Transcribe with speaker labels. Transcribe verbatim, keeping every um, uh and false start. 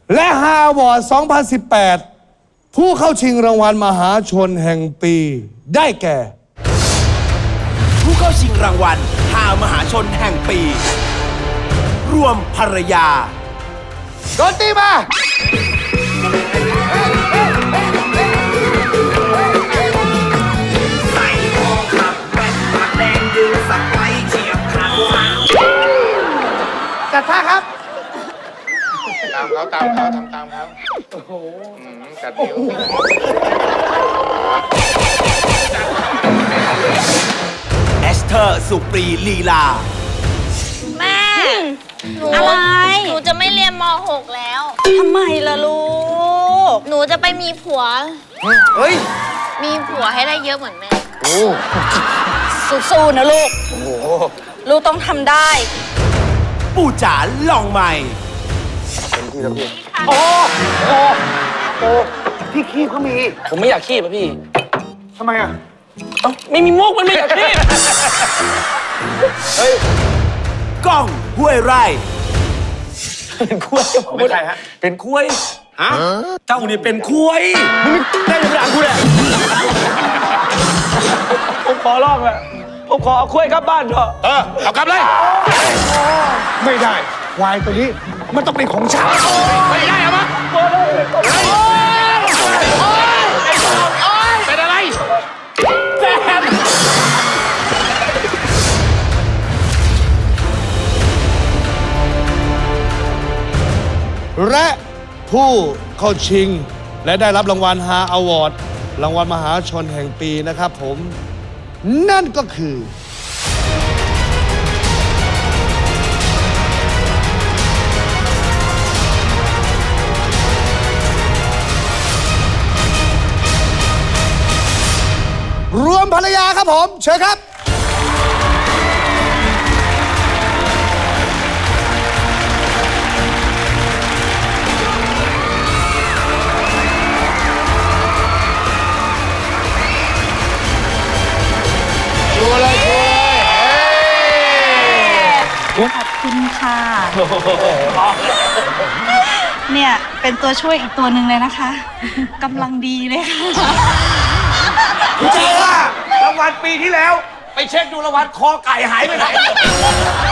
Speaker 1: และฮาวอร์ด สองพันสิบแปด ผู้เข้าชิงรางวัลมหาชนแห่งปีได้แก่
Speaker 2: ผู้เข้าชิงรางวัลฮามหาชนแห่งปี รวมภรรยา
Speaker 1: โดนตีมา
Speaker 2: ใส่ทองขับแว่นปากแดงยืนสักไว้เฉียบขาด
Speaker 1: จัดท่าครับ
Speaker 3: ตามเขาตามเขาทำตามเขาโอ้โหกัดนิ้ว
Speaker 2: เอสเธอร์สุปรีลีลา
Speaker 4: แม่หนู
Speaker 5: อะไร
Speaker 4: หนูจะไม่เรียนม หก แล้ว
Speaker 5: ทำไมล่ะลูก
Speaker 4: หนูจะไปมีผัว
Speaker 1: เฮ้ย
Speaker 4: มีผัวให้ได้เยอะเหมือนแม่
Speaker 1: โอ้
Speaker 5: สู้ๆนะลูก ลูกต้องทำได้
Speaker 2: ปู่จ๋าลองใหม่
Speaker 6: ผมไม่อยากขี้ป่ะพี่
Speaker 3: ทำไมอ่ะ
Speaker 6: เอ้าไม่มีมุกมันไม่อยากขี้
Speaker 2: ก้องห้วยไร่
Speaker 6: เป็นคุย
Speaker 3: ผมเป็นใครฮะ
Speaker 6: เป็นคุย
Speaker 3: ฮะ
Speaker 6: เจ้านี่เป็นคุย
Speaker 3: มึงได้ยังไงกูเนี่ย
Speaker 6: ผมขอร้องแหละผมขอเอาคุยกลับบ้านเถอะ
Speaker 3: เออ เอากลับเลย ไม่ได้ ควายตัวนี้ มันต้องเป็นของฉันไม่ได้เอามาเป็นอะไร
Speaker 1: และผู้เข้าชิง และได้รับรางวัลฮาอวอร์ดรางวัลมหาชนแห่งปีนะครับผม นั่นก็คือ รวมภรรยาครับผม เชิญครับ
Speaker 3: ชัวร์เลยชัวร์เลยเฮ้ย
Speaker 5: ขอบคุณค่ะ เนี่ย เป็นตัวช่วยอีกตัวหนึ่งเลยนะคะ กำลังดีเลยค่ะ
Speaker 6: จริงว่ารางวัลปีที่แล้ว ไปเช็คดูรางวัลคอไก่หายไปไหน